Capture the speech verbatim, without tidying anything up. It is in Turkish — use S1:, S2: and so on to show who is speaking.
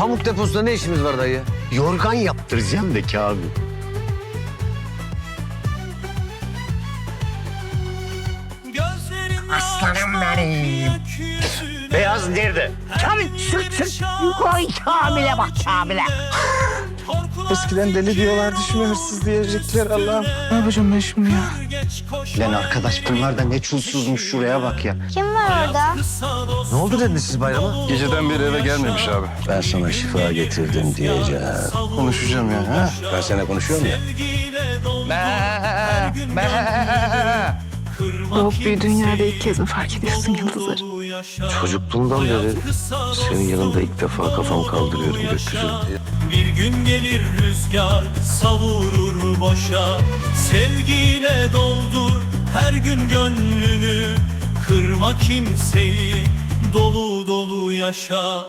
S1: pamuk deposunda ne işimiz var dayı?
S2: Yorgan yaptıracağım da Kamil. Aslanım benim. Beyaz nerede?
S3: Kamil sırt sırt. Koy Kamil'e bak Kamil'e.
S4: Eskiden deli diyorlardı, şimdi hırsız diyecekler Allah'ım. Ne yapacağım ben şimdi ya?
S2: Lan arkadaş bunlar da ne çulsuzmuş, şuraya bak ya.
S5: Kim var orada?
S1: Ne oldu dediniz siz bayrama?
S6: Geceden beri eve gelmemiş abi.
S2: Ben sana şifa getirdim diyeceğim.
S6: Konuşacağım ya. Ha?
S2: Ben sana konuşuyorum ya.
S7: Doğup büyüdüğün yerde ilk kez mi fark ediyorsun yıldızları?
S1: Çocukluğumdan beri senin yanında ilk defa kafamı kaldırıyorum gökyüzüne.
S8: Bir gün gelir rüzgar savurur boşa. Sevgiyle doldur her gün gönlünü. Kırma kimseyi, dolu dolu yaşa.